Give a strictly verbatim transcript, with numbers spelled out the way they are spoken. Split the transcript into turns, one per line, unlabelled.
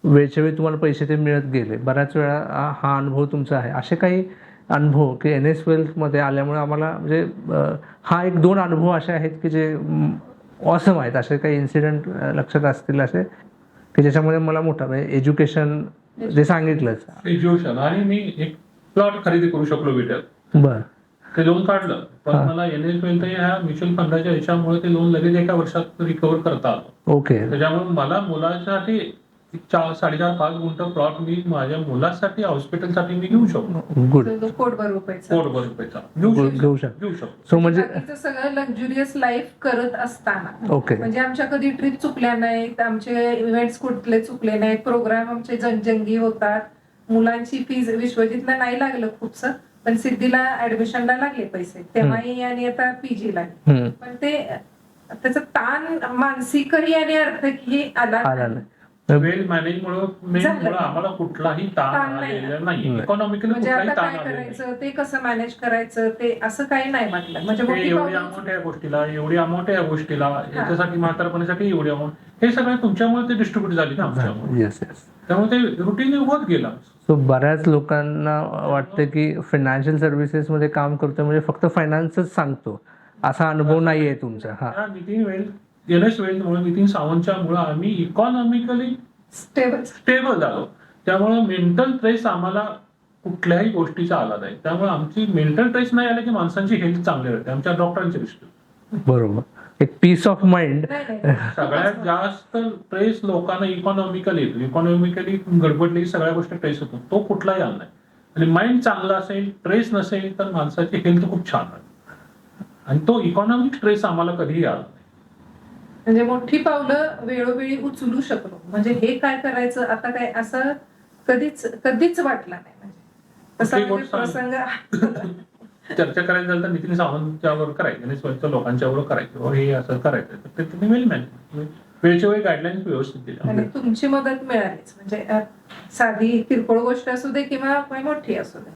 वेळच्या वेळी तुम्हाला पैसे ते मिळत गेले, बऱ्याच वेळा हा अनुभव तुमचा आहे. असे काही अनुभव की एन एस वेल्थमध्ये आल्यामुळे आम्हाला म्हणजे हा एक दोन अनुभव असे आहेत की जे ऑसम आहेत. असे काही इन्सिडेंट लक्षात असतील असे की ज्याच्यामध्ये मला मोठा म्हणजे एज्युकेशन जे सांगितलंच
एज्युकेशन आणि मी एक प्लॉट खरेदी करू शकलो विट्यात.
बरं,
ते लोन काढलं पण मला एन एस वेल्थ ह्या म्युच्युअल फंडाच्या ह्याच्यामुळे ते लोन लगेच एका वर्षात रिकव्हर करता आलं.
ओके.
त्याच्यामुळे मला मुलासाठी चार साडेचार पाच गुंठ प्लॉट मी माझ्या मुलासाठी हॉस्पिटलसाठी मी घेऊ शकतो.
गुड.
कोटभर रुपयाचा
कोटभर रुपयाचा
घेऊ
घेऊ
शकतो.
घेऊ शकतो.
सो म्हणजे
सगळं लक्झुरियस लाईफ करत असताना
ओके,
म्हणजे आमच्या कधी ट्रिप चुकल्या नाहीत, आमचे इव्हेंट्स कुठले चुकले नाहीत, प्रोग्राम आमचे जनजंगी होतात, मुलांची फीज विश्वजितला नाही लागलं खूपसं पण सिद्धीला ऍडमिशनला लागले पैसे तेव्हाही आणि आता पीजीला. पण ते त्याचा ताण मानसिकही आणि आर्थिकही आला नाही.
वेल मॅनेजमुळे आम्हाला कुठलाही ताण आलेला नाही. इकॉनॉमिकली
म्हणजे
कुठलाही
आता
ताण
काय
आलेला
करायचं ते कसं मॅनेज करायचं ते असं काही नाही म्हटलं. म्हणजे
एवढी अमाऊंट या गोष्टीला एवढी अमाऊंट या गोष्टीला याच्यासाठी म्हातारपणासाठी एवढी अमाऊंट हे सगळं तुमच्यामुळे ते डिस्ट्रीब्युट झाली ना आमच्यामुळे.
Yes yes.
त्यामुळे ते रुटीन होत गेला.
सो बऱ्याच लोकांना वाटतं की फायनान्शियल सर्व्हिसेस मध्ये काम करतो म्हणजे फक्त फायनान्सच सांगतो, असा अनुभव नाहीये तुमचा. हा
नितीन वेल्थ एन एस वेल्थमुळे नितीन सावंतच्या मुळे आम्ही इकॉनॉमिकली
स्टेबल
स्टेबल झालो. त्यामुळे मेंटल ट्रेस आम्हाला कुठल्याही गोष्टीचा आला नाही. त्यामुळे आमची मेंटल ट्रेस नाही आला की माणसांची हेल्थ चांगली राहते आमच्या डॉक्टरांच्या दृष्टीने.
बरोबर, एक पीस ऑफ माइंड.
सगळ्यात जास्त ट्रेस लोकांना इकॉनॉमिकली येतो. इकॉनॉमिकली गडबडली सगळ्या गोष्टी ट्रेस होतो, तो कुठलाही आला नाही. आणि माइंड चांगला असेल ट्रेस नसेल तर माणसाची हेल्थ खूप छान राहते आणि तो इकॉनॉमिक ट्रेस आम्हाला कधीही आला नाही.
म्हणजे मोठी पावलं वेळोवेळी उचलू शकलो. म्हणजे हे काय करायचं आता काय असं कधीच कधीच वाटलं नाही. म्हणजे तसा प्रसंग
चर्चा करायची झाली तर नितीन सावंतच्यावर करायचं, लोकांच्यावर करायचं, हे असं करायचं तर ते तुम्ही वेल मॅनेज वेळच्या वेळी गाईडलाईन्स व्यवस्थित दिल्या
आणि तुमची मदत मिळालीच. म्हणजे साधी किरकोळ गोष्ट असू दे किंवा मोठी असू दे.